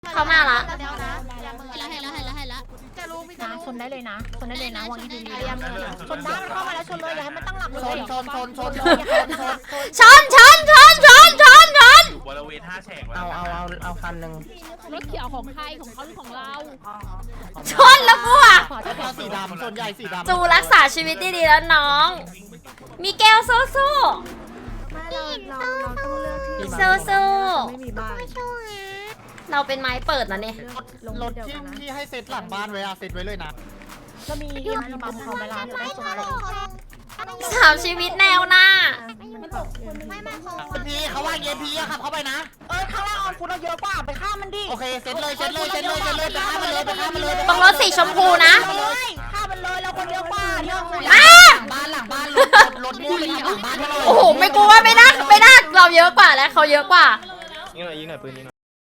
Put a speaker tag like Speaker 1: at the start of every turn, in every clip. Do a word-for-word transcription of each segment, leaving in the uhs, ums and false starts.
Speaker 1: เขามาละ
Speaker 2: เห็นแล้วเห็นแล้วเห็นแล้วเห็นแล้วจะรู้ไม่จะ
Speaker 3: นะ
Speaker 2: รู้
Speaker 3: ชนได้เลยนะชนได้เลยนะวางอีพี
Speaker 2: พยายาม
Speaker 3: ชนได้มันเข้ามาแล้วชนเลยอย่าให้มันตั้งหลักเลย
Speaker 1: ชนชนชนชน
Speaker 3: ชนชน
Speaker 1: ชนชนชนชนชนชน
Speaker 4: บริเวณท่าแฉก
Speaker 5: เอาเอาเอาเอาคันหนึ่ง
Speaker 3: รถเขียวของใครของเขาหรือของเรา
Speaker 1: ชนแล้วกูอ่ะ
Speaker 5: เอาสีดำส่วนใหญ่สีดำ
Speaker 1: จูรักษาชีวิตดีๆแล้วน้อง มีแก้วสู้สู้
Speaker 2: เราเราเราต้องเลือกที่
Speaker 1: สู้สู้
Speaker 2: ไม่มีบ้าน
Speaker 1: เราเป็นไม้เปิดนะเนี่ย
Speaker 5: รถที่ที่ให้เซตหลังบ้านไว้อะเซตไว้เลยนะ
Speaker 3: ก็มีเอ็มพีบัมเขาเวลาจะได้ชนลง
Speaker 1: สามชีวิตแนวหน้า
Speaker 2: มันตกไม่ไม่เขา
Speaker 5: เอ็มพีเขาว่าเอ็มพีอะขับเข้าไปนะ
Speaker 3: เออข้างล่างออนฟุตเราเยอะกว่าไปฆ่ามันดิ
Speaker 5: โอเคเซตเลยเซตเลยเซตเลยเซตเลยไปฆ่ามันเลยไปฆ่ามันเลย
Speaker 1: ตรงรถสีชมพูนะ
Speaker 3: ฆ่ามันเลยเราคนเยอะกว่าเยอะกว่า
Speaker 1: มา
Speaker 5: บ้านหลังบ้านรถรถม่วงเลยหลังบ้านให้หน่อย
Speaker 1: โอ้โห ไม่กลัวไม่ได้ไม่ได้เราเยอะกว่าและเขาเยอะกว่า
Speaker 4: ยิงหน่อยยิงหน่อยปืนยิงหน่อย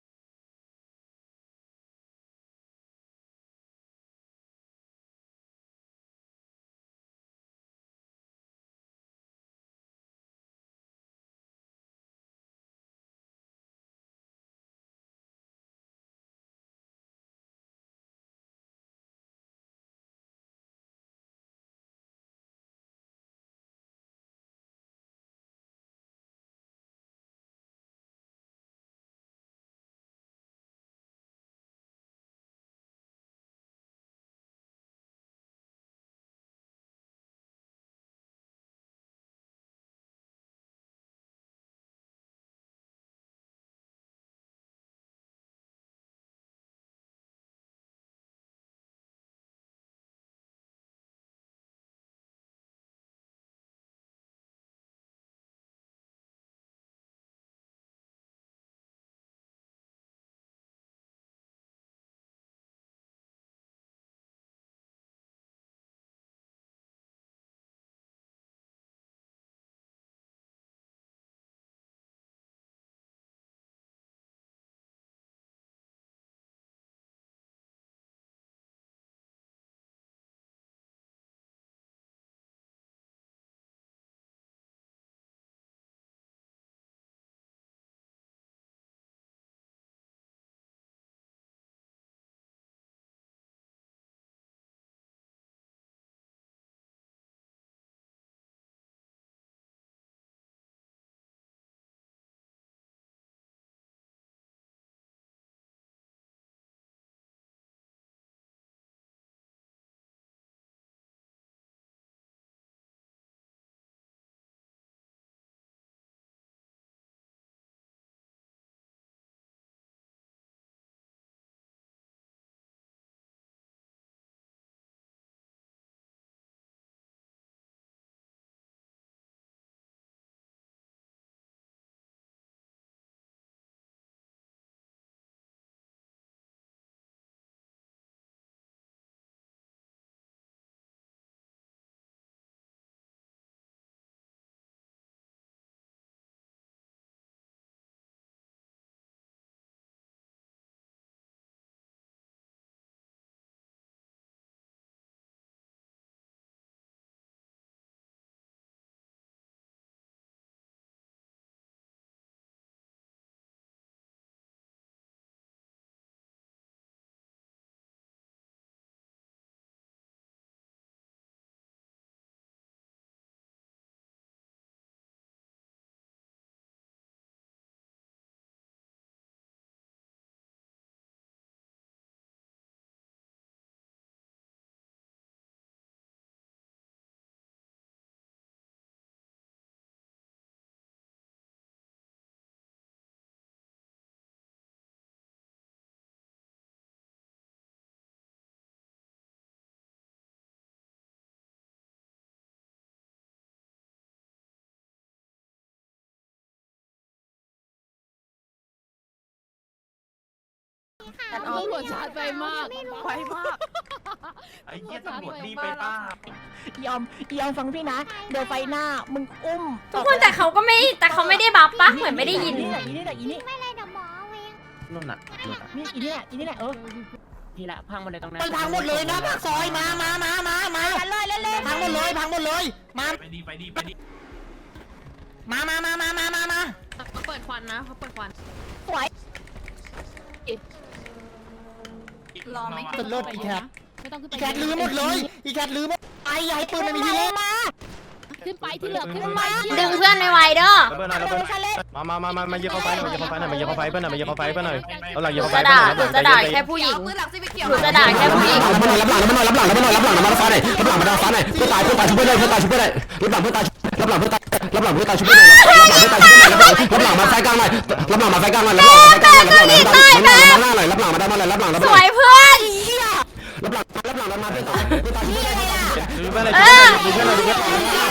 Speaker 3: ตำรวจชาร์จไปมากไวมาก
Speaker 4: ไอ้เหี้ยตำรวจรีบไปป้าย
Speaker 3: อมยอมฟังพี่นะเดี๋ยวไฟหน้ามึงอุ้ม
Speaker 1: ทุกคนแต่เขาก็ไม่แต่เขาไม่ได้บัฟปะเหมือนไม่ได้ยิน
Speaker 3: อีนี่แหละอีนี่แหละอีนี่
Speaker 2: ไม่เลยเดี๋ยวหมอเอง
Speaker 5: นู่นน่ะนู่นน่ะ
Speaker 3: นี่อีนี่แหละอีนี่แหละเออพี่ละพังหมดเลยตรงนั้น
Speaker 5: มันพังหมดเลยนะปากซอยมามามามามา
Speaker 3: กันเลยเล่น
Speaker 5: พังหมดเลยพังหมดเลยมา
Speaker 4: ไปดีไปดีไปดี
Speaker 5: มามามามามามามา
Speaker 6: เขาเปิดควันนะเขาเปิดควัน
Speaker 3: สวยรอไหม
Speaker 5: เป็นเลิศอีแคท
Speaker 3: ไม่ต้องขึ้นไป
Speaker 5: อีแคทลืมหมดเลยอีแคทลืมหมดไอ้ยายปืนมันมีที่เล่น
Speaker 3: ขึ้นไปที่เหลือขึ้นไป
Speaker 1: ดึงเพื่อนไม่ไหวเด้อ
Speaker 4: ระเบิดหน่อยระเบิดมามามามามาเยี่ยมเข้าไฟหน่อยมาเยี่ยมเข้าไฟหน่อยมาเยี่ยมเข้าไฟเพื่อนหน่อยมาเยี่ยมเข้าไฟเพื่อนหน่อยเอาหลัง
Speaker 1: ห
Speaker 4: เยี่ยม
Speaker 1: นู
Speaker 4: เข้าไฟ
Speaker 1: จะด่าหนูจะด่าแค่ผู้หญิง
Speaker 3: ปืนหลังซีไปเขียว
Speaker 1: หนูจะด่าแค่ผู้หญิง
Speaker 5: รับหน่อยรับหลังรับหน่อยรับหลังรับหน่อยรับหลังรับหลังมาฟ้าหน่อยรับหลังมาฟ้าหน่อยเพื่อตายเพื่อตายช่วยได้เพื่อตายช่วยได้รับหลังเพื่อตายรับหลังเพื่อตายรับหลังเพื่อตายช่วยได้รับหลังเพื่อตายช่วยได้รับหลังมาไฟกลางหน่อยรับหลังมาไฟกลางหน่อยรับหลังมาไฟกลางหน่อยรับหลังมาหน้าหน่อยรับหลังมาด้านหน่อยรับหลังรับหลัง
Speaker 1: สวยเพื่อน
Speaker 5: รับหลังรับหลังรับมาเพื่อตายเพื่อตายช่วยได้
Speaker 4: ดูเพื่อนเลยดูเพื่อนเลยดูเพื่อน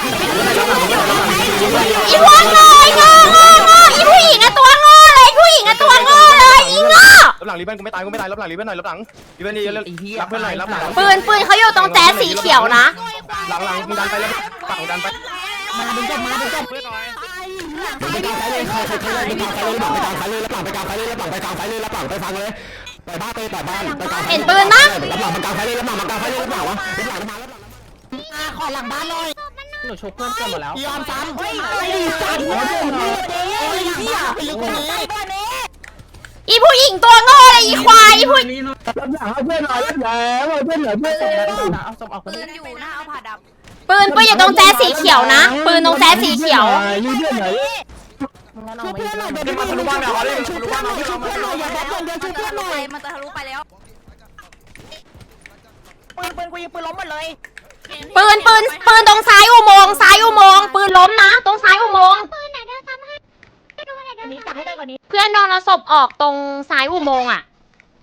Speaker 4: เลย
Speaker 1: อีพวกโง่โง่โง่โง่อีผู้หญิงอะตัวโง่เลยผู้หญิงอะตัวโง่เลยอีโง่
Speaker 4: รับหลังรีเบนกูไม่ตายกูไม่ตายรับหลังรีเบนหน่อยรับหลังรีเบนนี่รับเพื่อนหน่อยรับหลัง
Speaker 1: ปืนปืนเขาอยู่ตรงแจ๊สสีเขียวนะ
Speaker 4: หลังหลังมึงดันไปแล้วฝั่งดันไป
Speaker 5: มาดึงจบมาดึงจบ
Speaker 4: เพื่อนหน่อย
Speaker 5: ไปกลางไฟเลยใครใครใครเลยไปกลางไฟเลยรับหลังไปกลางไฟเลยรับหลังไปกลางไฟเลยรับหลังไปกลางไฟเลยรับหลังไปฟังเลยไปบ้านไปแต่บ้านไปกลางไฟ
Speaker 1: เห็นปืนปะ
Speaker 5: รับหลังไปกลางไฟเลยรับหลังมากลางไฟเลยรับหลังวะรับหลังมารับหลังมาขอหลังบ้านหน่อย
Speaker 4: หนูชกเพื่อนเกินหมดแล้ว
Speaker 5: ยอมซ้ำเฮ้ยอะไรสัตว์โอ้ยเหี้ยไปลึกกว่านี้
Speaker 1: อีผู้หญิงตัวโง่เลยอีควายอีผู้
Speaker 5: รับหลังเอาเพื่อนหน่อยรับหลังเอาเพื่อนหน่อยเพื่อนเอาศพออก
Speaker 3: ปืนอยู่นะเอาผ่าดับ
Speaker 1: ปืนปืนอยู่ตรงแจ๊สสีเขียวนะปืนตรงแจ๊สสีเขียว
Speaker 5: ยืดเพื่อนหน่อยช่วยเพื่อนหน่อยเดี๋ยวมาทะลุบ้านเอาเลยช่วยเพื่อนหน่อยช่วยเพื่อนหน่อยอย่าแบกคนเดียวช่วยเพื่อนหน่อย
Speaker 3: มันจะทะลุไปแล้ว
Speaker 5: ปืนปืนกูยิงปืนล้มหมดเลย
Speaker 1: ปืนปืนปืนตรงซ้ายอุโมงค์ซ้ายอุโมงค์ปืนล้มนะ ตรงซ้ายอุโมงค์
Speaker 2: ปืนไหนเดินทำให้ดูไหนเดิน
Speaker 5: นี้ตัดให้ได้กว่านี้
Speaker 1: เพื่อนโดนเอาศพออกตรงซ้ายอุโมงค์อ่ะ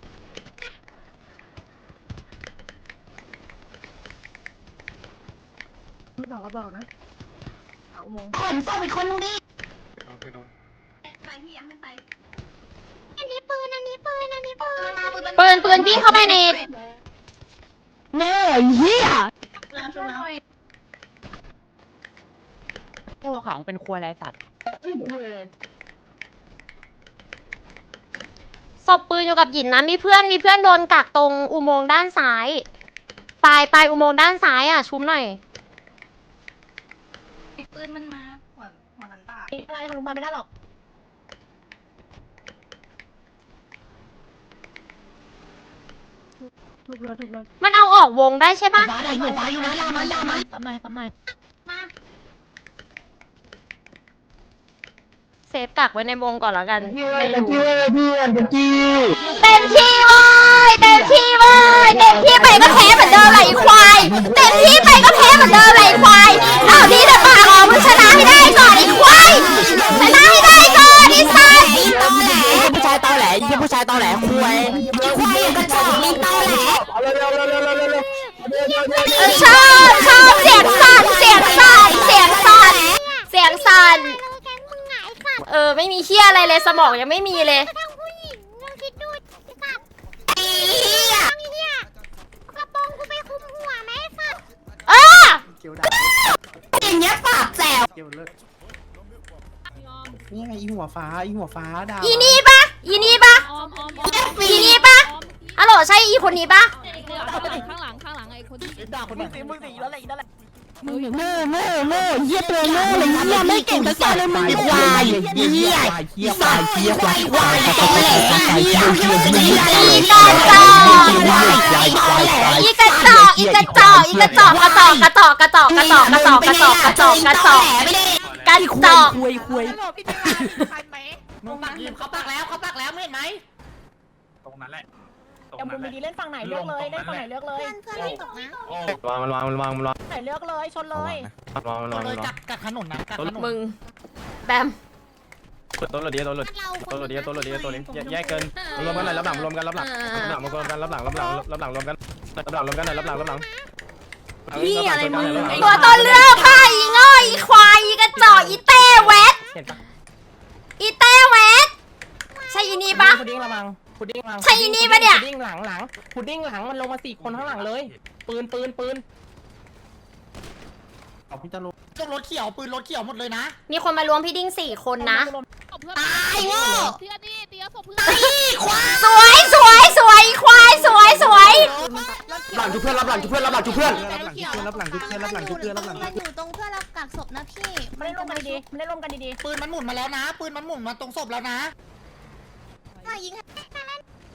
Speaker 2: ไม่บอกก็บอกนะเอาโมง
Speaker 5: ขนศพอีกคนนึงดิ
Speaker 3: ไปพี่ยังไม่ไป
Speaker 2: อันนี้ปืนอันนี้ปืนอันนี้ปืน
Speaker 1: ปืนปืนพี่เข้าไปใน
Speaker 5: แม่เหี้ย
Speaker 6: ตัวของเป็นครัวไรสัตว์
Speaker 1: ศพปืนอยู่กับหยินนะมีเพื่อนมีเพื่อนโดนกักตรงอุโมงค์ด้านซ้ายปลายปลายอุโมงค์ด้านซ้ายอ่ะชุบหน่อย
Speaker 3: ปืนมันมาหัวหัวหันตา
Speaker 2: อะไรของมันไม่ได้หรอกถูกเลยถูกเลย
Speaker 1: มันเอาออกวงได้ใช่ปะ
Speaker 5: ฟ้าได้อยู่ฟ้าอยู่นะลามันลามัน
Speaker 2: ทำไมทำไม
Speaker 1: เซฟกักไว้ในวงก่อนแล้วกันไม่
Speaker 5: ตะ
Speaker 1: รู้
Speaker 5: กี้เพื่อนตะกี้
Speaker 1: เต็มที่เว้ยเต็มที่เว้ยเต็มที่ไปก็แพ้เหมือนเดิมไหลควายเต็มที่ไปก็แพ้เหมือนเดิมไหลควายเอาที่เดปากออกมึงชนะให้ได้ก่อนไอ้ควายชนะให้ได้ก่อนไอ้สัส
Speaker 6: ผู้ชายตอแหลยี่ผู้ชายตอแหลคุย
Speaker 1: ควายกระจอกลิงตอแหล
Speaker 5: เร็วเร็วเร็วเร็วเร็วเร็วเร็ว
Speaker 1: เออชอบชอบเสียงสั่นเสียงสั่นเสียงสั่นเสียงสั่น
Speaker 2: เลยแกงมึงไงค่ะ
Speaker 1: เออไม่มีเฮียอะไรเลยสมองยังไม่มีเลย
Speaker 2: ทั้งผู้หญิงลองคิดดูไอ้สัตว์ไอ้เหี้ยไอ้เหี้ยกระโปรงกูไปคุมหัวไหมไอ้สัตว์
Speaker 1: เออ
Speaker 6: อย่างเงี้ยปากแสบ
Speaker 5: นี่ไงอีหัวฟ้าอีหัวฟ้าดาว
Speaker 1: อีนี่ปะอีนี่ปะ
Speaker 3: ออมออมออม
Speaker 1: อีนี่ปะฮัลโหลใช่อีคนนี้ปะ
Speaker 3: ข้างหลังข้างหลังไอ้คนที่
Speaker 5: ด่าคนมึงสิมึงสิแล้วอะไรแล้วแหละ
Speaker 3: มึงอยู่
Speaker 6: โง่โง่โง่เยี่ยตัวโง่เลยเยี่ยไม่เก่งสักอย่างเลยมึงควายเยี่ย
Speaker 5: เหี้ยควายเหี้ยควายควายควายเหี้ยเหี้ยเหี้ย
Speaker 1: อีกระจอกอีกระจอกอีกระจอกอีกระจอกกระจอกกระจอกกระจอกกระจอกกระจอกกระจอกกระจอกกระจอกกระจอก
Speaker 6: คุยคุย
Speaker 5: มึงปักยิมเขาปักแล้วเขาปักแล้วไม่เห็นไหม
Speaker 4: ตรงนั้นแหละตรง
Speaker 7: ยัง
Speaker 4: นั้น
Speaker 7: บุญ
Speaker 4: แหละ
Speaker 7: ดีเล่นฝั่งไหนเลือกเลยเล่นฝั่งไหนเลือกเลย
Speaker 2: เพื่อนเพื่อนไม่ตกนะ
Speaker 4: วางมันวางมันวางมันวาง
Speaker 7: ไหนเลือกเลยชนเลย
Speaker 4: วางมันวาง
Speaker 5: เล
Speaker 4: มัน
Speaker 5: ยว
Speaker 4: าง
Speaker 5: กัดกัดถนนนะกัดถนน
Speaker 1: มึงแบม
Speaker 4: ต้นรถเดียวต้นรถต้นรถเดียวต้นรถเดียวตัวนี้แยกเกินรวมกันหน่อยรับหลังรวมกันรับหลังรับหลังรวมกันรับหลังรับหลังรับหลังรวมกันรับหลังรวมกันหน่อยรับหลังรับหลัง
Speaker 1: พี่อะไรมึงตัวต้นเรื่องค่ะอีง่อยอีควายอีกระจอกอีเต้แวด
Speaker 5: เห็นปะ
Speaker 1: อีเต้แวดใช่อีนี่ปะ
Speaker 7: พุดดิ้งระวังพุดดิ้งระวัง
Speaker 1: ใช่อีนี่ปะเนี่ย
Speaker 7: พุดดิ้งหลังหลังพุดดิ้งหลังมันลงมาสี่คนข้างหลังเลย ปืนปืนปืน
Speaker 5: เอาพี่จะรู้ต้องรถเขียวปืนรถเขียวหมดเลยนะ
Speaker 1: มีคนมารวมพี่ดิ้งสี่คนนะ
Speaker 3: ตายโง่เพื่อนนี่เตี้ยศพเพื่อน
Speaker 1: สวยสวยสวยควายสวยสวย
Speaker 5: หลังจุเพื่อนรับหลังจุเพื่อนรับหลังจุเพื่อน
Speaker 2: รับหลังทุกเพื่อนรับหลังทุกเพื่อนรับหลังอยู่ตรงเพื่อนเรากักศพนะพี่
Speaker 7: ไม่ได้ร่วมกันดีๆไม่ได้ร่วมกันดี
Speaker 5: ปืนมันหมุนมาแล้วนะปืนมันหมุนมาตรงศพแล้วนะ
Speaker 2: มายิงให้หน่อย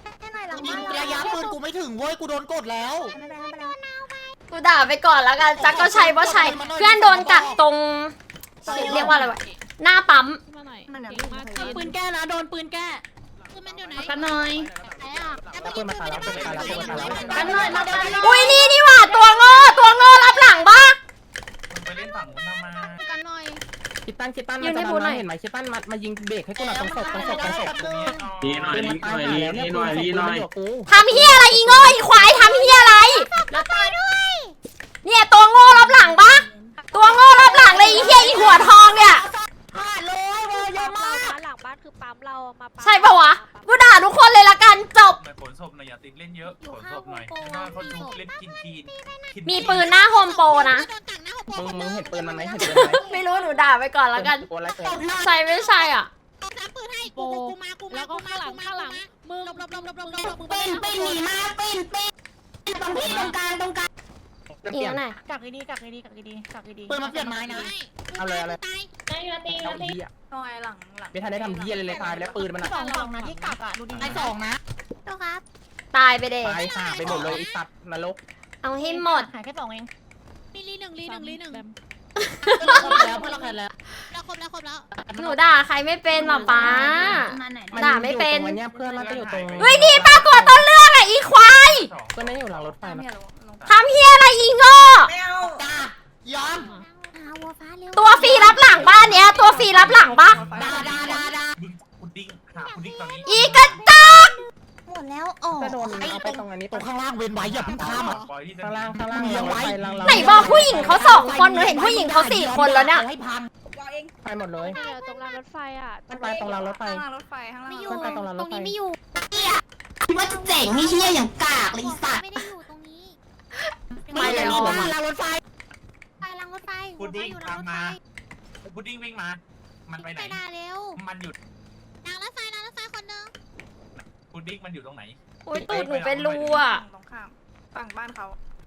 Speaker 2: หลัง
Speaker 6: ยิ
Speaker 2: บ้างน
Speaker 6: ระยะปืนกูไม่ถึงเว้ยกูโดนกดแล้ว
Speaker 1: กูด่าไปก่อนแล้วกันจักก็ใช่ว่าใช่เพื่อนโดนกักตรงเรียกว่าอะไรวะหน้าปั๊ม
Speaker 3: มาหน่อยเก่งมาก
Speaker 6: ปืนแก้นะโดนปืนแก้
Speaker 2: คือมันอยู่ไหน
Speaker 1: กันหน่อย
Speaker 2: ไหนอ่ะ
Speaker 7: แล้วปืนมาตายแล้วปืนมาตายแล้วปืนมาตายแล้ว
Speaker 6: กันหน่อยมากันหน่อย
Speaker 1: อุ้ยนี่นี่หว่าตัวโง่ตัวโง่รับหลังบ้า
Speaker 8: ไปเล่นฝั่งนู้นทำไม
Speaker 3: กันหน่อย
Speaker 7: คิดตันคิดตันมันจะมาเห็นไหมคิดตันมามายิงเบรกให้กูหน่อยตรงศพตรงศพตรงศพ
Speaker 8: นี่หน่อยนี่หน่อยนี่นี่หน่อยนี่หน่อย
Speaker 1: ทำเฮียอะไรอีโง่อีควายทำเฮียอะไร
Speaker 2: แล้วตายด้วย
Speaker 1: เนี่ยตัวโง่รับหลังปะตัวโง่รับหลังเลยอีเฮียอีหัวทองเนี่ย
Speaker 6: ขาดเลยเว้ยเยอะมาก
Speaker 2: หลังบ้านคือปั๊มเรามา
Speaker 1: ใช่ปะวะกูด่าทุกคนเลยละกันจบ
Speaker 8: หน่อยขนศพหน่อยอย่าติดเล่นเยอะขนศพหน่อยหน้าเขาจุกเล่นกินทีน
Speaker 1: มีปืนหน้าโฮมโปรนะ
Speaker 7: มึงมึงเห็นปืนมันไหมเห็นปืนไหม
Speaker 1: ไม่รู้หนูด่าไปก่อนแล้วกัน
Speaker 7: ตัวอะไรเกิด
Speaker 1: ใช่ไม่ใช่อ่ะ
Speaker 2: น้ำปืนให้
Speaker 3: โป
Speaker 2: กูกูมากูมา
Speaker 3: แล้วก็ข้างหลังข้างหลังมึง
Speaker 2: หลบหลบหลบหลบหลบหลบ
Speaker 3: มึง
Speaker 6: เป็นเป็นหนีมาเป็นเป็นตรงที่ตรงกลางตรงกลาง
Speaker 1: อีกแล้วไหน
Speaker 6: กักดีกักดีกักดีกักดีปืนมาเปลี่ยนไม้นะ
Speaker 7: เอาเลยเอาเลย
Speaker 2: ตาย
Speaker 7: เอาอีอ่ะ
Speaker 6: หน่อยหลังหลัง
Speaker 7: ไม่ทันได้ทำเพี้ยเลยเลยตายแล้วปืนมันอ่ะ
Speaker 6: สองสองนะที่กักอ่ะดูดีไอ้สองนะ
Speaker 2: ตัวครับ
Speaker 1: ตายไปเด็
Speaker 7: ตายห่าไปหมดเลยไอ้สัตว์นรก
Speaker 1: เอาให้หมด
Speaker 6: หายแค่สองเอง
Speaker 2: มีลีหนึ่งลีหนึ่งลีหนึ่ง
Speaker 6: เพื่อนเราครบแล้วเพื่อนเราครบแล้ว
Speaker 2: เราครบแล้วครบแล้ว
Speaker 1: หนูด่าใครไม่เป็นหรอป้า ด่าไม่เป็น
Speaker 7: มันเนี่ยเพื่อนเราจะอยู่ตรง
Speaker 1: เฮ้ยนี่ปรากฏต้นเรื่องอะอีควาย
Speaker 7: เพื่อนนั่นอยู่หลังรถไฟนะ
Speaker 1: ทำเฮียอะไรอีโง่
Speaker 6: ไม่เอาจ้าย้อม
Speaker 2: หาวัวฟ้าเร็ว
Speaker 1: ตัวฟรีรับหลังบ้านเนี้ยตัวฟรีรับหลังปะ
Speaker 6: ดาดาดาดา
Speaker 8: มึงคุณดิ้งหาคุณดิ้งตอนนี้
Speaker 1: อีกระจอก
Speaker 2: หมดแล้วอ๋อ
Speaker 7: จะโดนเอาไปตรงอันนี้
Speaker 6: ตรงข้างล่างเว้นไว้อย่าเพิ่งข้ามอ่ะ
Speaker 8: ปล่อยที่
Speaker 7: ข้างล่างข้างล่างยังไว้ล่าง
Speaker 1: ไหนบอกผู้หญิงเขาสองคนหนูเห็นผู้หญิงเขาสี่คนแล้วเนี่ย
Speaker 6: ให้พัน
Speaker 7: ไปหมดเลย
Speaker 3: ตรงรางรถไฟอ่ะ
Speaker 7: มันไปตรงรางรถไฟ
Speaker 2: ไม่อยู่
Speaker 7: มันไปตรงรางร
Speaker 2: ตร
Speaker 7: ถ
Speaker 2: ง
Speaker 7: ไฟ
Speaker 2: นี้ไม่อยู่
Speaker 6: คิดว่าจะเจ๋งนี่เชี่ยอย่างกากเลยสัตว์
Speaker 2: ไม่ได้อยู่ตรงนี้
Speaker 6: ไม่ได้มีบ้านรางรถไฟ
Speaker 2: ไปรางรถไฟ
Speaker 8: คุณดิ้ง
Speaker 2: อยู่รางรถ
Speaker 8: ทำ
Speaker 2: ไฟ
Speaker 8: มาคุณดิ้งวิ่งมา มันไปไหน
Speaker 2: ไปด่าเร็ว
Speaker 8: มันหยุด
Speaker 2: รางรถไฟรางรถไฟคนนึง
Speaker 8: คุณดิ้งมันอยู่ตรงไหน
Speaker 1: โอ้ยตูดหนูเป็นรูอะ
Speaker 9: ตรงข้ามฝั่งบ้านเขา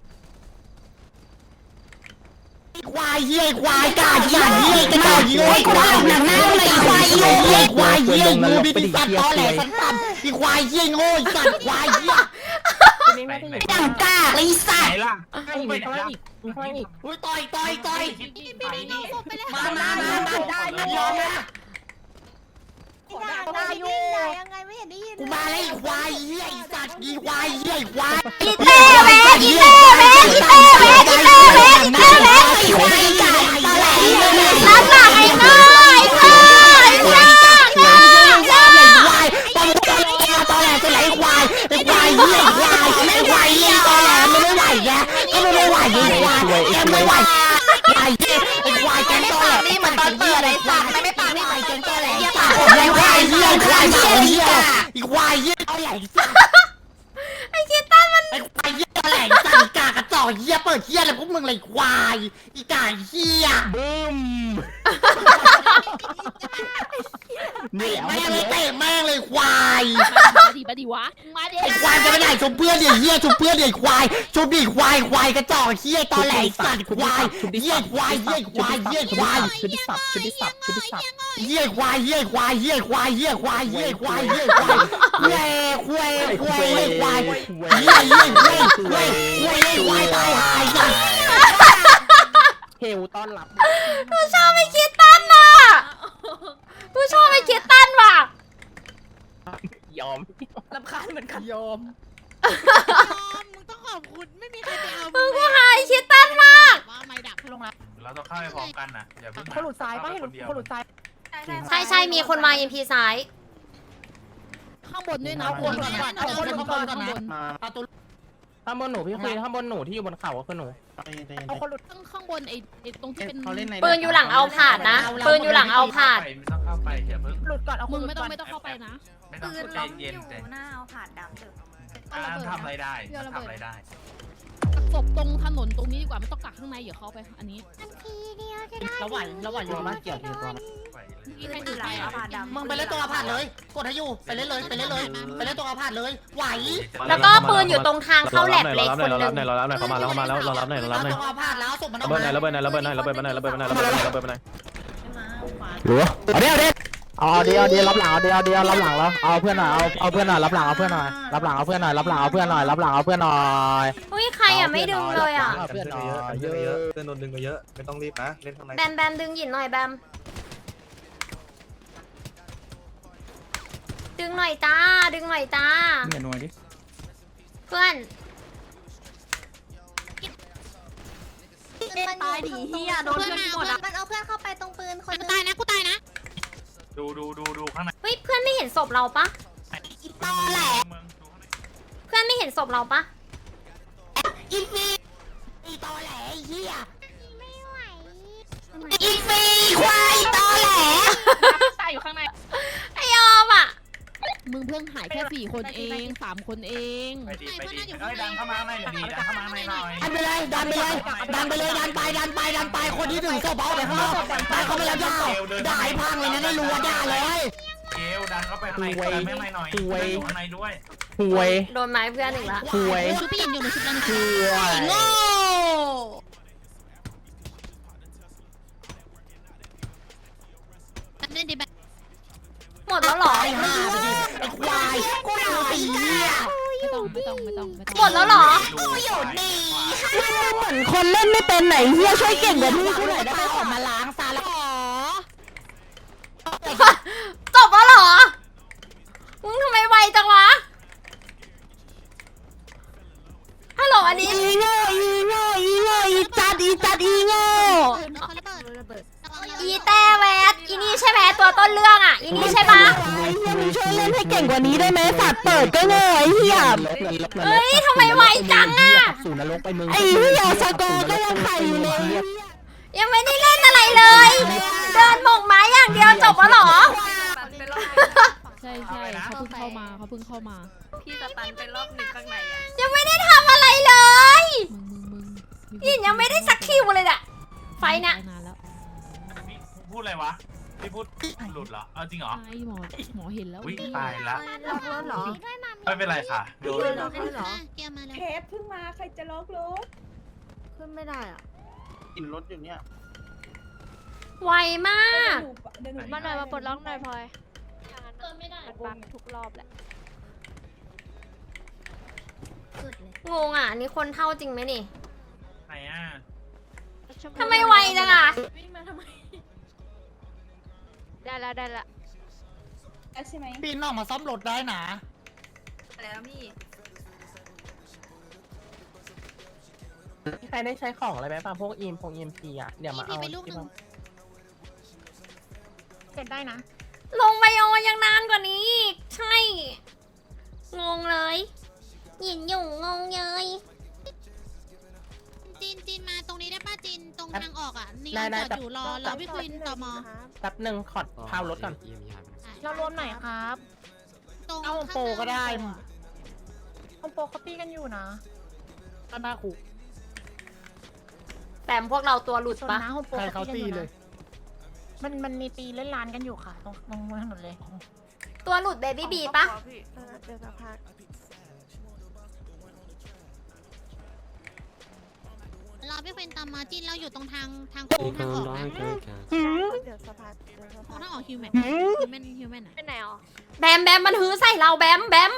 Speaker 6: ควายเยี่ยควายกาเยี่ยเยี่ยกระจอกเยี่ยควายหนังหน้าเลยควายเยี่ยควายเยี่ยงูบิบิสัตว์ตอแหลสันตันอีควายเยี่ยโง่สัตว์ควายเยี่ย
Speaker 7: นี่ไม่ได้อยู่
Speaker 6: อย่างกากเลยสั
Speaker 8: ไหน
Speaker 6: ตว์
Speaker 8: ล่ะ
Speaker 7: ข้างอีกข้างล่างอีกข้างล่างอีก
Speaker 6: อุ้ยต่อยต่อยต่อย
Speaker 2: พี่พี่เอาศพไปเลย
Speaker 6: มามามามาได้ไม่ยอมนะ
Speaker 2: ด่าอยู่ยังไงไม่เห็นได้ยิน
Speaker 6: กูมาแล้วอีควายเยี่ยสัตว์อีควายเยี่ยควาย
Speaker 1: อีเต้เวอีเต้เวอีเต้เวอีเต้เวอีเต้เว
Speaker 6: อีควายกากตอแหล
Speaker 1: รับหลังไอ้ง่อยง่อยง่อยง่อยง่อย
Speaker 6: ควายตอแหลตอแหลจะไหลควายไอ้ควายเยี่ยควายไม่ไหวเยี่ยตอแหลมันไม่ไหวแกมันไม่ไหวไอ้ควายแกไม่ไหวควายเยี่ยไอ้ควายแกตอแหลนี่มันตอนเปิดไอ้สัตว์ไม่ไม่ปากนี่ไอ้แกตอแหลปากไอ้ควายเยี่ยควายเยี่ยเยี่ยไอ้ควายเยี่ยตอแหล
Speaker 1: ไอ้คิดตันมัน
Speaker 6: ไอ้ควายเยี่ยตอแหลจังกากระจอกเยี่ยเปิดเยี่ยอะไรพวกมึงเลยควายอีกาเยี่ย
Speaker 7: บึ้มนี่แหละ
Speaker 6: แม่งเลยเตะแม่งเลยควาย
Speaker 3: มาดิมาดิวะมาดิ
Speaker 6: ไอ้ควายจะไปไหนชมเพื่อนดิเฮียชมเพื่อนดิควายชมดิควายควายกระจอกเฮียตอแหลสัตว์ควายเฮียควายเฮียควายเฮียควาย
Speaker 7: ชุดที่สับชุดที่สับชุดที่สับ
Speaker 6: เฮียควายเฮียควายเฮียควายเฮียควายเฮียควายเฮียควายควายควายควายควายเฮียเฮียควายควายควายควายตายหายสัตว์
Speaker 7: เฮลต้อนรับ
Speaker 1: กูชอบไอ้คิดตันอ่ะกูชอบไอ้คิดตันว่ะ
Speaker 7: ยอม
Speaker 9: รำคาญเหมือนกัน
Speaker 7: ยอม
Speaker 2: มึงต้องขอบคุณไม่มีใครไปเอา
Speaker 1: มึงกูหายคิดตันมาก
Speaker 2: ว่าไม่ดับ
Speaker 6: ลงละ
Speaker 8: เราต้องเข้าไปพร้อมกันนะอย่าเพิ่ง
Speaker 7: คนหลุดซ้ายป่ะเห็นคนหลุดซ้าย
Speaker 1: ใช่ใช่มีคนมาเอ็มพีซ้าย
Speaker 3: ข้างบนด้วยนะ
Speaker 6: เอาคนก่อนก่อนเอาคนก่อนก่อนนะ
Speaker 7: มา
Speaker 6: เอาตัว
Speaker 7: ข้างบนหนูพี่คุยข้างบนหนูที่อยู่บนเขาก็คือหนู
Speaker 3: เอาคนหลุดข้างข้างบนไอ้ไอ้ตรงที่เป็น
Speaker 1: ปืนอยู่หลังเอาผาดนะปืนอยู่หลังเอาผาด
Speaker 8: ไม่ต้องเข้าไปอย่าเพิ่ง
Speaker 6: หลุดก่อนเอา
Speaker 3: มึงไม่ต้องไม่ต้องเข้าไปนะ
Speaker 8: ไม่ต้องใจเย็นใจ
Speaker 9: หน้าเอาผาดดำตึก
Speaker 8: อ่าทำอะไรได้ทำอะไรได้
Speaker 3: กักศพตรงถนนตรงนี้ดีกว่าไม่ต้องกักข้างในเดี๋ยวเข้าไปอันนี้
Speaker 2: ทันทีเดียวจะได้
Speaker 6: ระหว่างระหว่างอยู่มาเกี่ยวทีตัว
Speaker 8: ไปเลย
Speaker 3: ที่ใคร
Speaker 9: อ
Speaker 3: ถื
Speaker 9: ยู่
Speaker 3: อ
Speaker 9: หลั
Speaker 3: ไป
Speaker 9: ง
Speaker 3: อ่ะ
Speaker 9: เอาผาดดำ
Speaker 6: มึงไปเล่นตัวอาพาธเลยกดให้อยู่ไปเล่นเลยไปเล่นเลยไปเล่นตัวอาพาธเลยไหว
Speaker 1: แล้วก็ปืนอยู่ตรงทางเข้าแลบเล็กคนหนึง
Speaker 4: เรารับหน่อยเขามาแล้วเขามาแล้วเรารับหน่อยเรารับหน่อย
Speaker 6: ตัวอาพาธแล้วส่งมันออก
Speaker 4: ระเบิดหน่
Speaker 6: มา
Speaker 4: อยระเบิดหน่อยระเบิดหน่อยระเบิดหน่อยระเบิดหน่อยระเบิดหน่อยระเบิดหน่อยระเบิดหน่อย
Speaker 5: หรือเอาเดี๋ยวเดี๋ยว
Speaker 7: เอาเดียวเดียวรับหลังเอาเดียวเดียวรับหลังแล้วเอาเพื่อนหน่อยเอาเอาเพื่อนหน่อยรับหลังเอาเพื่อนหน่อยรับหลังเอาเพื่อนหน่อยรับหลังเอาเพื่อนหน่อยรับหลังเอาเพื่อนหน่อย
Speaker 1: อุ้ยใครอ่ะไม่ดึงเลยอ่ะ
Speaker 7: เพื่อนหน่อยเย
Speaker 10: เย
Speaker 7: อะ
Speaker 10: อะเพื่อนโดนดึงไปเยอะไม่ต้องรีบนะเล่นข้างใน
Speaker 1: แบมแบมดึงหยินหน่อยแบมดึงหน่อยตาดึงหน่อยตา
Speaker 7: เนี่ยนัวดิ
Speaker 1: เพื่อน
Speaker 2: มันตายดิเฮียโดนเพื่อนหมดมันเอาเพื่อนเข้าไปตรงปืนคนนึงตายนะกูตายนะ
Speaker 8: ดูดูดูดูข้างใน
Speaker 1: เฮ้ยเพื่อนไม่เห็นศพเราปะ
Speaker 2: อีตอแหล
Speaker 8: เมืองดูข้างใน
Speaker 1: เพื่อนไม่เห็นศพเราปะ
Speaker 6: อีฟีอีตอแหลไอ้เหี้ย
Speaker 2: ไม่ไหว
Speaker 6: อีฟีควายตอแหล
Speaker 9: ตายอยู่ข้างใน
Speaker 1: ไอยอมอ่ะ
Speaker 3: มึงเพิ่งหายแค่สี่คนเองสามคนเอง
Speaker 8: ไปดีไปดีเอ้ยดันเข้ามาข้างในหน่อยดีดันเข้ามาข้างในหน่อย
Speaker 6: ดันไปเลยดันไปเลยดันไปเลยดันไปดันไปดันไปคนที่ถึงศพเอาไปข้างนอกไปเขาไปแล้วด่าด่าให้พังเลยนะได้รู้ว่าด่าเลย
Speaker 8: เกลดันเข้าไปข้างในดันไม่ข้างในหน่อยอยู่ข้างในด้วย
Speaker 7: ห่วย
Speaker 1: โดนไม้เพื่อนอีกละ
Speaker 7: ห่วย
Speaker 9: ชุดพี่หญิงอยู่ในชุดนั้น
Speaker 7: ห่วย
Speaker 1: โง่
Speaker 9: เล่นดีแบบ
Speaker 1: หมดแล้วเหรอ
Speaker 6: ไอ้ห่าไปดิไอ้ควายกูหนาวตีเหี้ย
Speaker 3: ไม่ต้องไม่ต้องไม่ต้องไม่ต้อง
Speaker 1: หมดแล้วเหรอ
Speaker 8: กูอยู่นี่
Speaker 6: เหมือนคนเล่นไม่เป็นไหนเหี้ยช่วยเก่งกว่าพี่กูหน่อยได้ไหมออกมาล้างซาละ
Speaker 1: จบแล้วเหรอ มึงทำไมไวจังวะ ฮัลโหลอันนี้
Speaker 6: อีโง่อีโง่อีโง่อีจัดอีจัดอีโง่
Speaker 1: อีแต่แวดอีนี่ใช่ไหมตัวต้นเรื่องอ่ะ อีนี่ใช่ปะ
Speaker 6: ไอ้เหี้ยมึงช่วยเล่นให้เก่งกว่านี้ได้ไหมสัตว์เปิดก็โง่ไอ้เหี้ย
Speaker 1: เฮ้ยทำไมไวจังอ่ะ
Speaker 7: สู่นรกไปมึง
Speaker 6: ไอ้เหี้ยสกอร์ก็ยังไข่อยู่เลย
Speaker 1: ยังไม่ได้เล่นอะไรเลย เดินหมกไม้อย่างเดียวจบแล้วเหรอ
Speaker 3: ใช่ใช่เขาเพิ่งเข้ามาเขาเพิ่งเข้ามา
Speaker 9: พี่สตันไปรอบหนึ่งข้างในอ่ะ
Speaker 1: ยังไม่ได้ทำอะไรเลย
Speaker 3: มึงมึงมึง
Speaker 1: ยินยังไม่ได้สักคิวเลยอะไฟเนี่ย
Speaker 3: นานแล้ว
Speaker 8: พี่พูดอะไรวะพี่พูดหลุดเหรอเอาจริงเหรอ
Speaker 3: ไอหมอหมอเห็นแล้ว
Speaker 8: อุ้ยตายละ
Speaker 2: ล็อกรถเหรอ
Speaker 8: ไม่เป็นไรค่ะโดน
Speaker 2: ล็อกรถเหรอ
Speaker 9: เกียร์มาแล้ว
Speaker 11: เทปเพิ่งมาใครจะล็อกรถ
Speaker 2: ขึ้นไม่ได้อ่ะ
Speaker 10: กินรถอยู่เนี่ย
Speaker 1: ไวมาก
Speaker 11: เดี๋ยวหนู
Speaker 2: มาหน่อยมาปลดล็อกหน่อยพลอย
Speaker 1: เติมไม่ได้
Speaker 2: มันบังทุกรอบแหละ
Speaker 1: งงอ่ะอันนี่คนเท่าจริงไหมนี่
Speaker 8: ไหนอ่ะ
Speaker 1: ทำไมไวจังอ่ะ
Speaker 2: ได้แล้วได้แล้ว
Speaker 11: ใช่ไหม
Speaker 6: ปีนออกมาซ่อมรถได้นะ
Speaker 9: แล้วพี่
Speaker 7: ใครได้ใช้ของอะไรไหมป่ะพวกอีมพวกอีมพีอ่ะเดี๋ยวมาเอา
Speaker 9: ไปลูกหนึ่ง
Speaker 6: เสร็จได้นะ
Speaker 1: ลงไบโอยังนานกว่านี้อีกใช่ งงเลยหยินหยุ่งงงเยย
Speaker 9: จีนจีนมาตรงนี้ได้ป่ะจีนตรงทางออกอ่ะนี่
Speaker 7: ได้ได้
Speaker 9: จอดอยู่รอรอพี่ควินต่อมอ
Speaker 7: แป๊บหนึ่งขอดพาวรถก่อน
Speaker 6: เรารวมไหนครับ
Speaker 9: ตรง
Speaker 6: เอาโฮมโปรก็ได้
Speaker 9: ข้างหน้า
Speaker 6: คอมโปเขาตีกันอยู่นะตาหน้าคุก
Speaker 1: แต่พวกเราตัวหลุด
Speaker 6: ชน
Speaker 1: ปะ
Speaker 6: นะโฮมโปเขาตีกันอยู่นะมันมันมีตีเล่นลานกันอยู่ค่ะ ตรงตรงถนนเลย
Speaker 1: ตัวหลุดเบบี้บีปะ
Speaker 2: เดี๋ยวสักพัก
Speaker 9: รอพี่ควินตามมาจีนเราอยู่ตรงทางทางโค้งทางออกนะ
Speaker 2: เดี๋ยวสักพักเดี๋ยวสัก
Speaker 9: โค้
Speaker 2: พั
Speaker 9: ง
Speaker 2: ก
Speaker 9: ทางออกฮิวแมนฮิวแมนฮิวแมนอ่ะ
Speaker 2: ไปไหนอ๋อ
Speaker 1: แบมแบมมันฮื้อใส่เราแบมแบม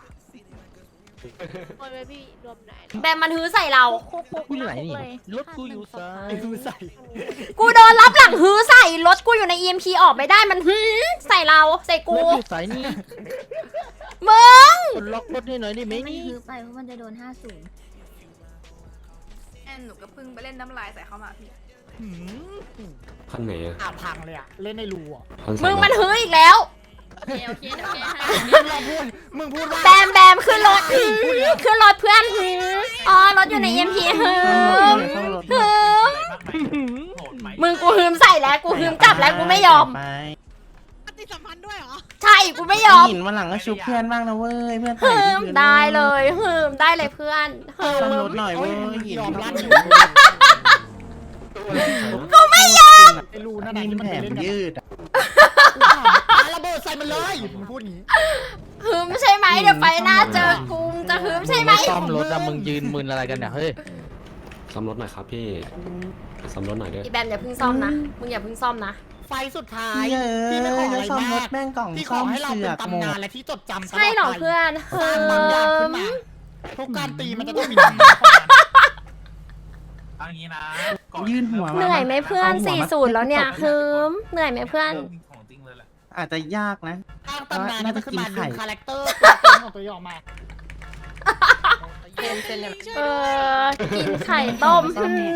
Speaker 2: คนไปพี่รวมไหน
Speaker 1: แบมมันฮื้อใส่เรา
Speaker 7: กูอยู่ไหนนี่รถกูอยู่ซ้ายกูใส่
Speaker 1: กูโดนรับหลังฮื้อใส่รถกูอยู่ใน อี เอ็ม พี ออกไม่ได้มันฮื้อใส่เราใส่กู
Speaker 7: รถอยู่สายนี่
Speaker 1: มึง
Speaker 7: ล็อกรถให้หน่อยดิไหม
Speaker 2: มัน
Speaker 7: นี่
Speaker 2: คือไปเพราะมันจะโดนห้าศูนย์
Speaker 9: แอนหนูก็เพิ่งไปเล่นน้ำลายใส่เข้ามาพี่
Speaker 5: คันไหนอ่ะ
Speaker 6: อาพังเลยอะเล่นในรูอะ
Speaker 5: คัน
Speaker 1: มึงมันฮื้ออีกแล้ว
Speaker 9: โอเคโอเคโอเค
Speaker 6: นี่เราพูดมึงพูดว่า
Speaker 1: แบมแบมขึ้นรถฮื้อขึ้นรถเพื่อนฮื้ออ๋อรถอยู่ใน อี เอ็ม พี ฮื้อฮื้อ
Speaker 8: อะไรบ้างไหมโหดไหม
Speaker 1: มึงกูฮื้มใส่แล้วกูฮื้มกลับแล้วกูไม่ยอม
Speaker 9: ปฏิสัมพันธ์ด้วยเหรอ
Speaker 1: ใช่กูไม่ยอม
Speaker 10: หินวันหลังก็ชุบเพื่อนบ้างนะเว้ยเพื่อน
Speaker 1: ฮื้มได้เลยฮื้มได้เลยเพื่อนฮื้
Speaker 10: ซ่อมร
Speaker 1: ม
Speaker 10: ถหน่อยเว้ยหิน
Speaker 6: ยอมรับอยู่
Speaker 1: กูไม่ยอม
Speaker 6: ไอ้รูนั่นน่ะ
Speaker 10: ดิน
Speaker 6: ที่มัน
Speaker 10: แถ
Speaker 6: ไป
Speaker 10: ม
Speaker 6: เล่นกัน
Speaker 10: ยืดอ่ะ
Speaker 6: ปาระเบิดใส่มันเลยมึงพูดอย่างนี้
Speaker 1: ฮื้มใช่ไหมเดี๋ยวไฟหน้าเจอกูมึงจะฮื้มใช่ไหม
Speaker 7: ซ่อมรถอะมึงยืนมึนอะไรกันเนี่ยเฮ้ย
Speaker 5: ซ่อมรถหน่อยครับพี่ซ่อมรถหน่อยด้วย
Speaker 1: อีแบมอย่าเพิ่งซ่อมนะมึงอย่าเพิ่งซ่อมนะ
Speaker 6: ไฟสุดท้าย
Speaker 10: เย้
Speaker 6: พี่ไม่ขออะไร
Speaker 10: ซ่อมร
Speaker 6: มา
Speaker 10: ถ
Speaker 6: ก
Speaker 10: แม่งกล่อง
Speaker 6: พี่ข
Speaker 10: ซ่
Speaker 6: อ
Speaker 10: อม
Speaker 6: ให้เรา
Speaker 10: เสื
Speaker 6: เป็
Speaker 10: อน กหม
Speaker 6: ตำนาน
Speaker 10: ด
Speaker 6: และที่จดจำตลอดไป
Speaker 1: ใช่เหรอเพื่อน
Speaker 6: สร้างบางอย่างขึ้นมาทุกการตีมันจะต้องมีตำนาน
Speaker 8: เอางี้นะ
Speaker 10: ยื่นหัวมา
Speaker 1: เหนื่อยไหมเพื่อน
Speaker 10: าหัว
Speaker 1: สี่
Speaker 10: มา
Speaker 1: ศูนย์แล้วเนี่ยฮึมเหนื่อยไหมเพื่อน
Speaker 8: ของจริงเลยแหละ
Speaker 10: อาจจะยากนะ
Speaker 6: สร้างตำนานมันจะขึ้นมาดึงคาแรคเตอร์ของตัวเองออกมา
Speaker 1: เออ กินไข่ต้มหืม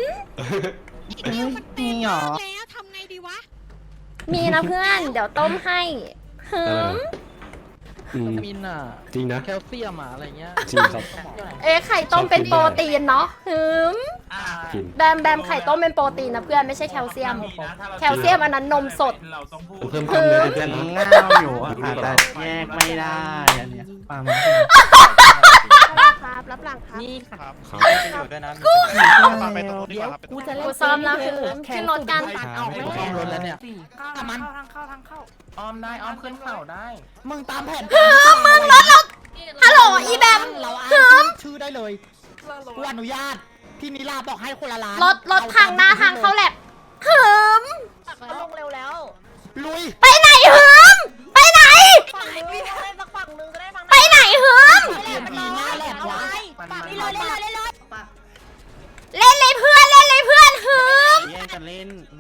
Speaker 10: มีหรอ
Speaker 2: แล้วทำไงดีวะ
Speaker 1: มีนะเพื่อน เดี๋ยวต้มให้หืม
Speaker 5: อืม
Speaker 7: มินอ่ะ
Speaker 5: จริงนะ
Speaker 7: แคลเซียมอ่ะอะไรเงี้ย
Speaker 5: จริงครับ
Speaker 1: เอ๊ะไข่ต้มเป็นโปรตีนเนาะหืม
Speaker 8: อ่า
Speaker 5: กิน
Speaker 1: แบมแบมไข่ต้มเป็นโปรตีนนะเพื่อนไม่ใช่แคลเซียม แคลเซียมอันนั้นนมสด
Speaker 8: เราต้องพูด
Speaker 5: เพิ่มความเนื้อเพื่อนนะ
Speaker 10: เงาอยู่อะอาจจะแยกไม่ได้อันเนี้ยประมาณ
Speaker 2: ครับรับหลังครับ
Speaker 7: นี่ครับ
Speaker 5: ครับ
Speaker 7: อยู่ด้วยนะ
Speaker 10: ไปตรงนี้ครับ
Speaker 7: กูจะเล่น
Speaker 1: กูซ้อมแล้วคือขึ้นรถกัน
Speaker 7: เอาไม่ซ้อมรถแล้วเนี่ย
Speaker 6: ถ้ามัน
Speaker 2: ทางเข้าทางเข้า
Speaker 7: อ้อมได้อ้อมขึ้นเข่าได้
Speaker 6: มึงตามแผน
Speaker 1: มึงรถเราฮัลโหลอีแบม
Speaker 6: เราอ้างชื่อได้เลยกูอนุญาตพี่นิลาบอกให้คนละล้าน
Speaker 1: รถรถทางหน้าทางเข้าแลบหืม
Speaker 2: ลงเร็วแล้ว
Speaker 6: ลุย
Speaker 1: ไปไหนหืมไปไหน
Speaker 2: ฝั่งนึงได้สักฝั่งนึงก็ได้ฝั่ง
Speaker 1: ไปไหนหืม
Speaker 6: เรียนดีหน้าแหลกวะ
Speaker 2: ฝั่งนี้เลยเล่นเลยเล่นเลย
Speaker 1: เล่นเลยเพื่อนเล่นเลยเพื่อนหืม
Speaker 10: แย่งกันเล่นหนู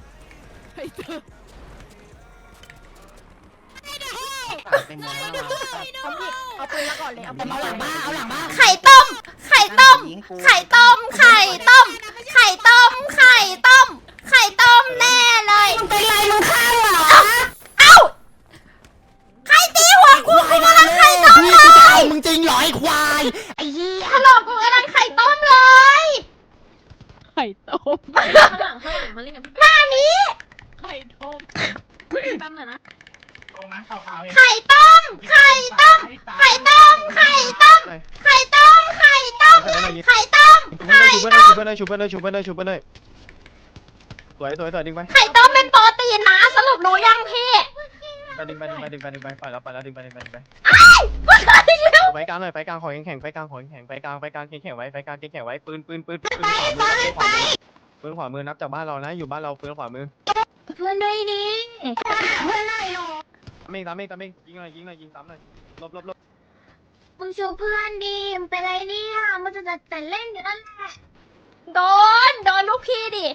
Speaker 10: เต็มแล้วเรา
Speaker 2: เอาปืนแล้วก่อนเลยเอาปืน
Speaker 6: เอาหลังบ้านเอาหลังบ้าน
Speaker 1: ไข่ต้ม ไข่ต้ม ไข่ต้ม ไข่ต้ม ไข่ต้ม ไข่ต้ม ไข่ต้มแน่เลยเป็นไรมึงข้างเหรอเอ้าใครตีหัวกูกูกำลังไข่ต้ม
Speaker 6: พี่
Speaker 1: เล
Speaker 6: กูจะ
Speaker 1: ย
Speaker 6: เอามึงจริงเหรอไอ้ควายไอ้เหี้ย
Speaker 1: ฮัลโหลกูกำลังไข่ต้มเลย
Speaker 3: ไข่ต้ม
Speaker 1: หน้านี้
Speaker 3: ไข่ต้มตั้งหน่อยนะ
Speaker 8: ตรงนั้นขาวๆเอง
Speaker 1: ไข่ต้ม ไข่ต้ม ไข่ต้ม ไข่ต้ม ไข่ต้ม ไข่ต้ม ไข่ต้ม ไข่
Speaker 4: ชุบ
Speaker 1: ต้ม
Speaker 4: ไปเลยชุบไปเลยชุบไปเลยชุบไปเลยสวยสวยสวยดึงไป
Speaker 1: ไข่ต้มเป็นโปรตีนนะสรุปรู้ยังพี่
Speaker 4: ดึงไปดึงไปดึงไปดึงไปไปแล้วไปแล้วดึงไปดึงไปดึงไป
Speaker 1: ไอ้กูเคยแล้ว
Speaker 4: ไฟกลางหน่อยไฟกลางขอแข็งๆไฟกลางขอแข็งๆไฟกลางไฟกลางแข็งๆไว้ไฟกลางแข็งๆไว้ปืนปืนปืนปืนขวามือขวามือปืนขวามือนับจากบ้านเรานะอยู่บ้านเราปืนขวามือ
Speaker 1: เพื่อนด้วยดิเพื่อนหน่อยหรอ
Speaker 4: ตามเองตามเองตามเองยิงหน่อยยิงหน่อยยิงซ้ำหน่อยลบลบลบ
Speaker 1: มึงชูเพื่อนดิมึงเป็นไรเนี่ยมึงจะแต่เล่นอยู่นั่นแหละโดนโดนลูกพี่ดิ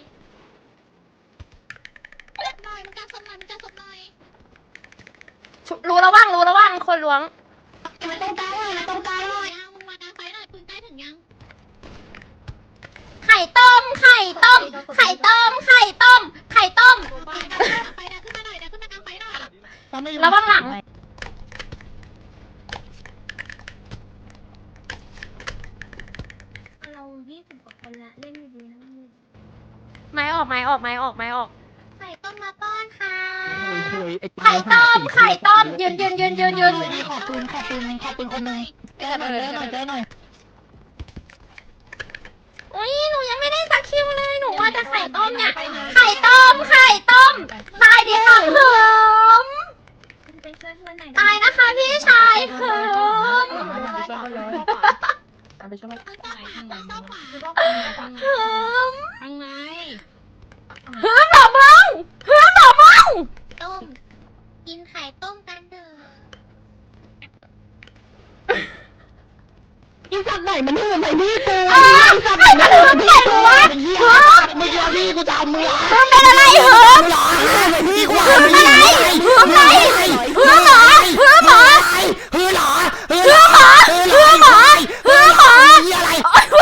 Speaker 2: หน่อยมันการสมหน่อยมันการสมหน่อย
Speaker 1: รู้แล้วว่างรู้แล้วว่างคนล้วง
Speaker 2: มันต้องการหน่อยมันต้องการหน่อยมึงมาดังไฟหน่อยปืนใกล้ถึงยัง
Speaker 1: ไข่ต้ม ไข่ต้ม ไข่ต้ม ไข่ต้ม ไข่ต้ม
Speaker 2: ไฟดังขึ้นมาหน่อยดังขึ้นมากลางไฟหน่อย
Speaker 1: แล้วว่างหลังเรายี่สิบกว่าคนละเล่นดีๆนะไม้ออกไม้ออกไม้ออกไม้ออก
Speaker 2: ไข่ต้มมาป้อนค่ะ
Speaker 1: ไข่ต้ม ไข่ต้ม ยืนยืนยืนยืนยืน
Speaker 6: ขอปืนขอปืนขอปืนคนหนึ่งเจอหน่อยเจอหน่อยเจอหน่อย
Speaker 1: อุ้ยหนูยังไม่ได้สักคิวเลยหนูว่าจะไข่ต้มเนี่ย ไข่ต้ม ไข่ต้ม ตายดิค่ะเหิมตายนะคะพี่ชายเหิม
Speaker 3: ไปช่วย
Speaker 1: เหิม
Speaker 3: ทางไหน
Speaker 1: เหิมหรอมึงเหิมหรอมึง
Speaker 2: ต้มกินไข่ต้มกันเถอะ
Speaker 6: อีสัตว์ไหนมันหื่นใส่พี่กู
Speaker 1: เออไข่กระเหิมใส่หัวเหิม
Speaker 6: มึงเจอพี่กูจะเอามือ
Speaker 1: เหิมเป็นอะไรเหิม
Speaker 6: หรอใส่พี่กู
Speaker 1: เหิมอะไรเหิมไหนเหิมหรอเหิมหรอ
Speaker 6: ฮือหรอฮือ
Speaker 1: เหิมหรอเหิมหรอเหิมหรอ
Speaker 6: ยี่อะไร
Speaker 1: โอ๊ย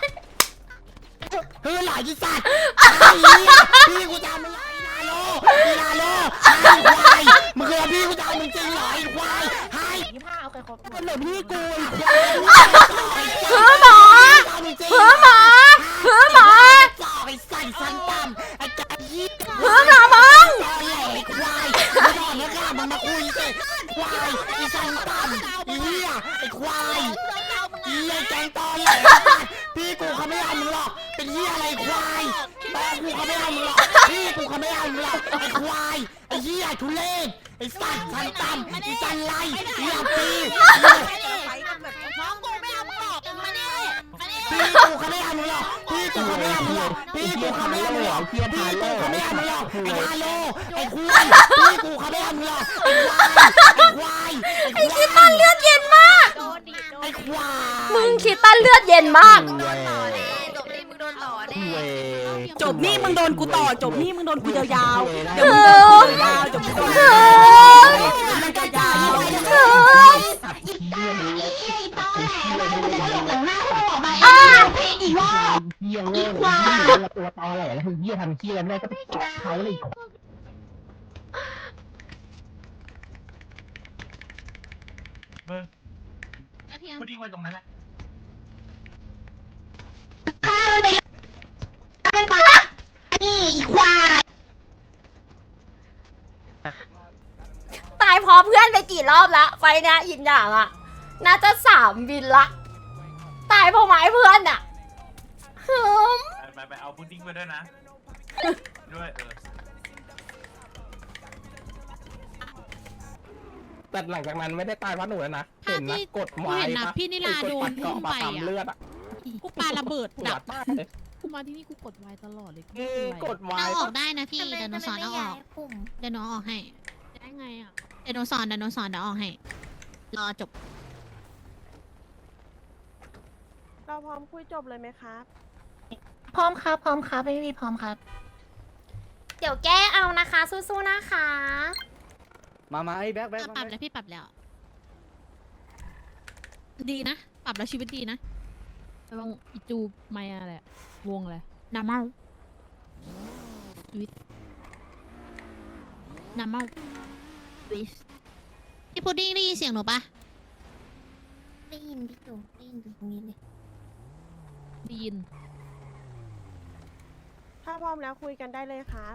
Speaker 6: ฮือหรอยี่สัตว์พี่กูจะเอามือไอ้ลาโลไอ้ลาโลไอ้ควายมึงเคยพี่กูจะเอามึงจริงเหรอไอ้ควายให้
Speaker 2: ยี่ห้าเอาใครครบ
Speaker 6: มันเหลือพี่กู
Speaker 1: เหิมหรอเหิมหรอเหิมหรอ
Speaker 6: จ่อไอ้ใส่สันต่ำไอ้กะยี่
Speaker 1: เหิมหรอมึง
Speaker 6: ไอ้ควายไม่ต้องนะค่ะมึงมาคุยสิควายไอ้สันต่ำไอ้เหี้ยไอ้ควายไอ้แกงตอนแหลพี่กูเขาไม่เอามึงหรอกเป็นเหี้ยอะไรควายตอนกูเขาไม่เอามึงหรอกพี่กูเขาไม่เอามึงหรอกไอ้ควายไอ้เหี้ยทุเรศไอ้สัตว์สันต่ำไอ้สันไรไอ้ยาปี
Speaker 2: น้องกูไม่เอามึงหรอกมาดิมาดิ
Speaker 6: พี่กูเขาไม่เอามึงหรอกพี่กูเขาไม่เอามึงหรอกพี่กูเขาไม่เอามึงหรอกพี่กูเขาไม่เอามึงหรอกไอ้ฮาโลไอ้คุยพี่กูเขาไม่เอามึงหรอกไอ้ควายไอ้ควาย
Speaker 1: ไอ้คิดตันเลือดเย็นมาก
Speaker 6: ไอ้ควาย
Speaker 1: มึงคิดตันเลือดเย็นมาก
Speaker 11: จบนี่มึงโดนกูต่อจบนี่มึงโดนกูยาวๆเดี๋ยว
Speaker 1: เอ
Speaker 11: มึงโดน
Speaker 1: อ
Speaker 11: กูยาวจบกูโดน
Speaker 1: เอ
Speaker 11: กู
Speaker 1: อ
Speaker 11: มันจะยาว
Speaker 1: เอออ่ะ
Speaker 6: เหี้ยเว้ยตัวตอแหลแล้วเหี้ยทำเหี้ยไม่ได้ก็ไปจับเขาเลย
Speaker 8: เบอร์พุดดิ้งไว้ตรงนั้นแหละ
Speaker 1: ตายเพราะเพื่อนไปกี่รอบละไฟเนี้ยยินอย่างอ่ะน่าจะสามบินละตายเพราะไม้เพื่อนอ่ะฮึม
Speaker 8: ไปไปเอาพุดดิ้งไปด้วยนะ ด้วยเออ
Speaker 7: แต่หลังจากนั้นไม่ได้ตายเพราะหนูแล้วนะเห็นนะกดไม้
Speaker 3: เห็นนะพี่นิลาโดน
Speaker 7: เกาะปากเลือดอ่ะ
Speaker 3: กูปาระเบิด
Speaker 7: ปว
Speaker 3: ดั
Speaker 7: ด
Speaker 3: ก
Speaker 7: มากเลย
Speaker 3: กูมาที่นี่กูกดไวตลอดเลย
Speaker 7: อืมกดไม้
Speaker 9: เอาออกได้นะพี่เดี๋ยวหนูสอนเอาออกเดี๋ยวหนูเอาออกให้
Speaker 3: ได้ไงอ่ะ
Speaker 9: เดี๋ยวหนูสอนเดี๋ยวหนูสอนเดี๋ยวเอาออกให้รอจบ
Speaker 11: เราพร้อมคุยจบเลยไหมครับ
Speaker 6: พร้อมครับพร้อมครับไม่มีพร้อมครับ
Speaker 1: เดี๋ยวแก้เอานะคะสู้ๆนะคะ
Speaker 10: มามาไอ้แบ็คแบ็ค
Speaker 9: ปรับแล้วพี่ปรับแล้ว ดีนะ ปรับแล้วชีวิตดีนะ
Speaker 3: ระวังอีจูไม่อะไรอะวงอะไร
Speaker 9: น้ำเมาวิทน้ำเมาวิสพี่พุดดิ้งได้ยินเสียงหนูปะ
Speaker 2: ได้ยินพี่ตู่ได้ยินตรงนี้เลย
Speaker 3: ได้ยิน
Speaker 11: ถ้าพร้อมแล้วคุยกันได้เลยครับ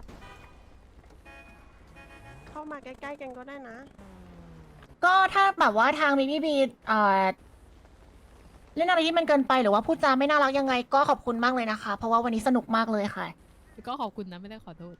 Speaker 11: เข้ามาใกล้ๆกันก็ได้นะ
Speaker 6: ก็ถ้าแบบว่าทางบีบีบีเอ่อเล่นอะไรที่มันเกินไปหรือว่าพูดจาไม่น่ารักยังไง ก็ขอบคุณมากเลยนะคะ เพราะว่าวันนี้สนุกมากเลยค่ะ
Speaker 3: ก็ขอบคุณนะไม่ได้ขอโทษ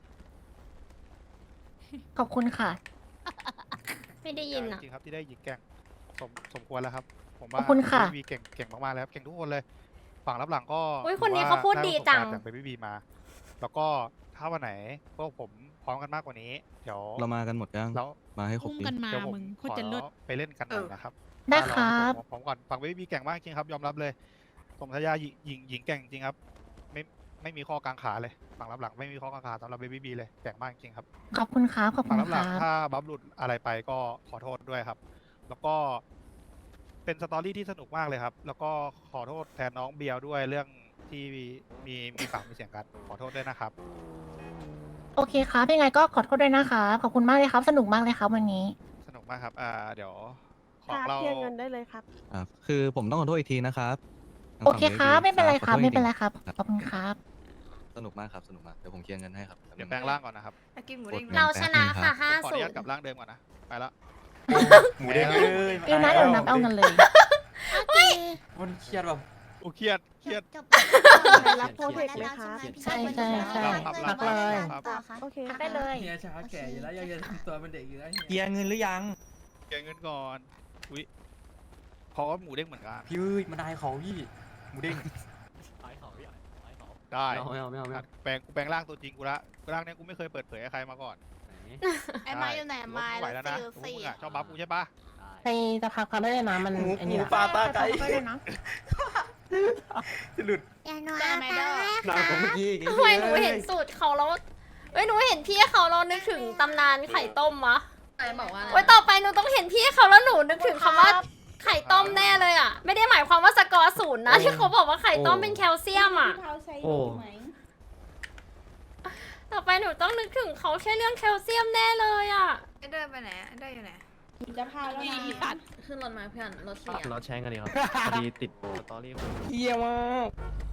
Speaker 6: ขอบคุณค่ะ
Speaker 1: ไม่ได้ยินอ่ะ
Speaker 12: จริงครับที่ได้หญิงแก่งสมสมควรแล้วครับผม
Speaker 6: ข
Speaker 12: ว่า
Speaker 6: อบคุณค่ะ
Speaker 12: บีบีเก่งเก่งมากๆแล้วครับเก่งทุกคนเลยฝั่งรับหลังก็
Speaker 1: อุ๊ยคนนี้เขาพูดดีจัง
Speaker 12: ไประสบการณ์จากบีบีมา แล้วก็ถ้าวันไหนพวกผมพร้อมกันมากกว่านี้เดี๋ยว
Speaker 5: เรามากันหมดยัง
Speaker 12: แล้ว
Speaker 5: มาให้ครบ
Speaker 3: อุ้ม
Speaker 5: ดิ
Speaker 3: กันมา
Speaker 12: เดี๋ยวผม
Speaker 3: มึงโค
Speaker 12: ข
Speaker 3: ตร
Speaker 12: อ
Speaker 3: จะเลิศ
Speaker 12: ไปเล่นกันหน่อยนะครับ
Speaker 6: ได้ครับ
Speaker 12: ผมผมก่อนฝั่งบีบีเก่งมากจริงครับยอมรับเลยสมทยาหญิงหญิงหญิงเก่งจริงครับไม่ไม่มีข้อกางขาเลยฝั่งรับหลังไม่มีข้อกางขาสำหรับบีบีเลยเก่งมากจริงครับ
Speaker 6: ขอบคุณครับขอบคุ
Speaker 12: ฝั่ง
Speaker 6: ณ
Speaker 12: รับห
Speaker 6: ค
Speaker 12: ลั
Speaker 6: รั
Speaker 12: ง
Speaker 6: บ
Speaker 12: ถ้าบัฟหลุดอะไรไปก็ขอโทษด้วยครับ แล้วก็เป็นสตอรี่ที่สนุกมากเลยครับ แล้วก็ขอโทษแทนน้องเบียร์ด้วยเรื่องที่มีมีมีปากมีเสียงกันขอโทษด้วยนะครับ
Speaker 6: โอเคครับยังไงก็ขอโทษด้วยนะคะขอบคุณมากเลยครับ สนุกมากเลยครับวันนี้
Speaker 12: สนุกมากครับอ่าเดี๋ยวข
Speaker 11: ค
Speaker 12: อง
Speaker 11: รับ
Speaker 12: เรา
Speaker 11: เคลียร์เงินได้เลยครับ
Speaker 5: อ่ะคือผมต้องขอโทษอีกทีนะครับทาง
Speaker 6: โอ
Speaker 5: ฝั่ง
Speaker 6: เคครับ
Speaker 5: บีบี
Speaker 6: ไม่เป็นไรครับ
Speaker 5: ขอโทษ
Speaker 6: ไม่เป็นไร
Speaker 5: จงๆ
Speaker 6: ครับขอบคุณครับ
Speaker 5: สนุกมากครับสนุกมากเดี๋ยวผมเคลียร์เงินให้ครับ
Speaker 12: เดี๋ยวแปลงร่างก่อนนะครับ
Speaker 9: อากินหมูเด้ง
Speaker 1: เราชนะค่ะห้า
Speaker 12: ขออ
Speaker 1: ศู
Speaker 12: นุญาต
Speaker 1: นย์
Speaker 12: กลับร่างเดิมก่อนนะไปละ
Speaker 10: หมูเด้งเลย
Speaker 6: ฟิวนะเดี๋ยวนับเอาเงินเลย
Speaker 10: มันเครียดแบบ
Speaker 12: โอ้เครียดเครียด
Speaker 2: จบ
Speaker 11: รับโปรเทคไหมครับ
Speaker 6: ใช่ใช่ใช่
Speaker 12: ครับ
Speaker 6: พักเลย
Speaker 12: ครับ
Speaker 2: ต่อค่ะ
Speaker 11: โอเค
Speaker 6: พักได้เลย
Speaker 10: เฮียช้าแก่อยู่แล้วยังจะทำตัวเป็นเด็กอยู่แล้ว
Speaker 7: เคลียร์เงินหรือยัง
Speaker 12: เก็บเงินก่อนอุ้ยเพราะว่าหมูเด้งเหมือนกัน
Speaker 10: พี่เอ้ยมันได้ของพี่หมูเด้ง
Speaker 12: ได้
Speaker 10: ไม่เอาไม่เอาไม่เอา
Speaker 12: แปลงกูแปลงร่างตัวจริงกูละร่างเนี้ยกูไม่เคยเปิดเผยให้ใครมาก่อน
Speaker 9: ไอ้ไม้อยู่ไหนไม้
Speaker 12: ไหวแล้วนะพวกมึงอะชอบบัฟกูใช่ปะ
Speaker 6: ใครจะพักพักได้เลยนะมัน
Speaker 10: หมู
Speaker 6: อัน
Speaker 10: ห
Speaker 6: นี้
Speaker 10: มู
Speaker 6: ละ
Speaker 10: ปลาตาไก่
Speaker 6: พักได้เลยนะ
Speaker 10: จะหลุด
Speaker 2: อย่าหนูอาตาแล้ว
Speaker 10: หน้าผมเมื่อกี้
Speaker 1: ทำไมหนูเห็นสูตรเขาแล้วเอ้ยหนูเห็นพี่เขาเรานึกถึงตำนานไข่ต้มวะ
Speaker 9: ไอ้บอกว่า
Speaker 1: โอ้ยต่อไปหนูต้องเห็นพี่เขาแล้วหนูนึกถึงคำว่าไข่ต้มแน่เลยอ่ะ ไม่ได้หมายความว่าสกอร์ศูนย์นะที่เขาบอกว่าไข่ต้มเป็นแคลเซียมอ่ะ
Speaker 11: พี่เท้าใช้อยู่ไหม
Speaker 1: ต่อไปหนูต้องนึกถึงเขาแค่เรื่องแคลเซียมแน่เลยอ่ะ
Speaker 9: ไอ้เดินไปไหนไอ้เดินอยู่ไหน
Speaker 11: จะพาแล้วนะ
Speaker 3: มีปัด
Speaker 9: ขึ้นรถมาเพื่อนรถเสีย
Speaker 4: รถแชงกันดีครับพอดีติดสตอรี่
Speaker 7: เยี่ยมมาก